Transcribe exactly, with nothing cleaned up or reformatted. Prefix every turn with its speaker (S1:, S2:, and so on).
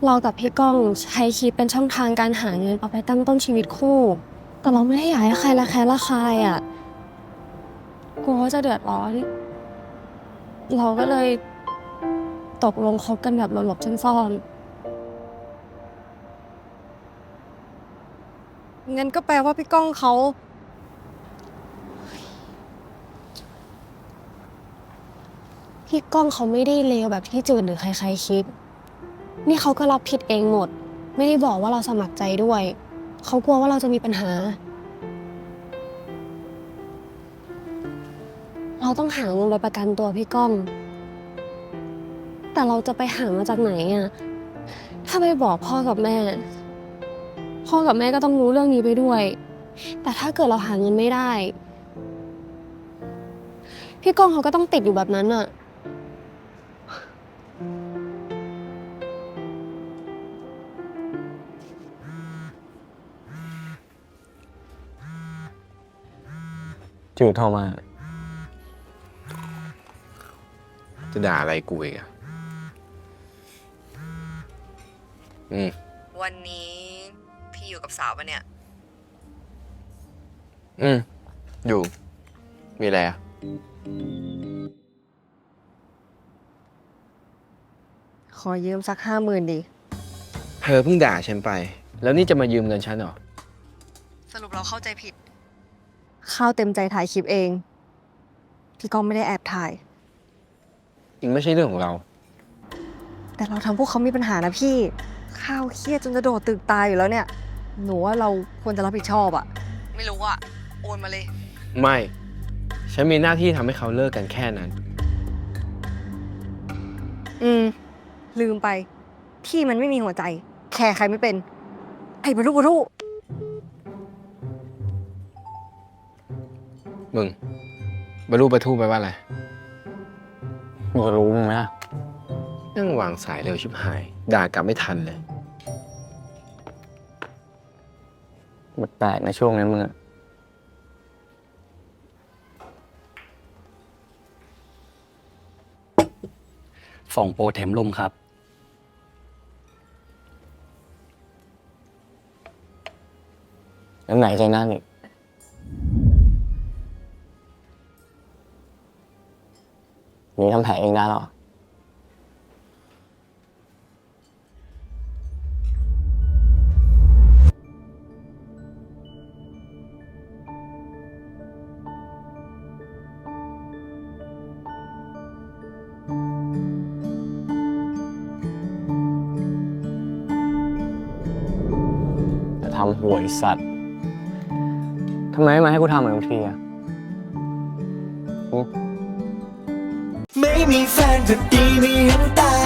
S1: เรากับพี่ก้องใช้คิดเป็นช่องทางการหาเงินเอาไปตั้งต้นชีวิตคู่ แต่เราไม่ได้อยากให้ใครละแคะละคายอ่ะกลัวว่าจะเดือดร้อนเราก็เลยตกลงคบกันแบบหลบๆซ่อนๆงั้นก็แปลว่าพี่ก้องเขาพี่ก้องเขาไม่ได้เลวแบบที่จืดหรือใครๆคิดนี่เขาก็รับผิดเองหมดไม่ได้บอกว่าเราสมัครใจด้วยเขากลัวว่าเราจะมีปัญหาเราต้องหาเงินไปประกันตัวพี่ก้องแต่เราจะไปหามาจากไหนอ่ะถ้าไปบอกพ่อกับแม่พ่อกับแม่ก็ต้องรู้เรื่องนี้ไปด้วยแต่ถ้าเกิดเราหาเงินไม่ได้พี่ก้องเขาก็ต้องติดอยู่แบบนั้นอ่ะ
S2: จืดโทรมา
S3: จะด่าอะไรกูอีกอะอืม
S4: วันนี้พี่อยู่กับสาวปะเนี่ย
S3: อืม อยู่ มีอะไรอะ
S4: ขอยืมสักห้าหมื่นดิ
S3: เธอเพิ่งด่าฉันไป แล้วนี่จะมายืมเงินฉันเหรอ
S4: สรุปเราเข้าใจผิด ข้าวเต็มใจถ่ายคลิปเอง พี่ก้องไม่ได้แอบถ่าย
S3: จริงไม่ใช่เรื่องของเรา
S4: แต่เราทำพวกเขามีปัญหานะพี่ ข้าวเครียดจนจะโดดตึกตายอยู่แล้วเนี่ย หนูว่าเราควรจะรับผิดชอบอะไม่รู้อะโอนมาเลย
S3: ไม่ ฉันมีหน้าที่ทำให้เขาเลิกกันแค่นั้น
S4: อืม ลืมไป พี่มันไม่มีหัวใจ แคร์ใครไม่เป็น ไอ้บรรลุบรรลุ
S3: มึงบรรลุประทูไปว่าอะไร
S2: มึงจะรู้มึงไหมล่ะ
S3: นั่งวางสายเร็วชิบหาย ด่ากลับไม่ทันเลย
S2: แปลกๆในะช่วงนี้มึงอะ
S5: ฝ่องโปรเทมลมครับ
S2: แล้วไหนใจนั่นอีกนี่ทำแผลเองได้หรอจะทำหวยสัตว์ทำไมไม่มาให้กูทำเหมือนทุกทีอะ
S6: ไม่มีแฟนก็ดีไม่เห็นตาย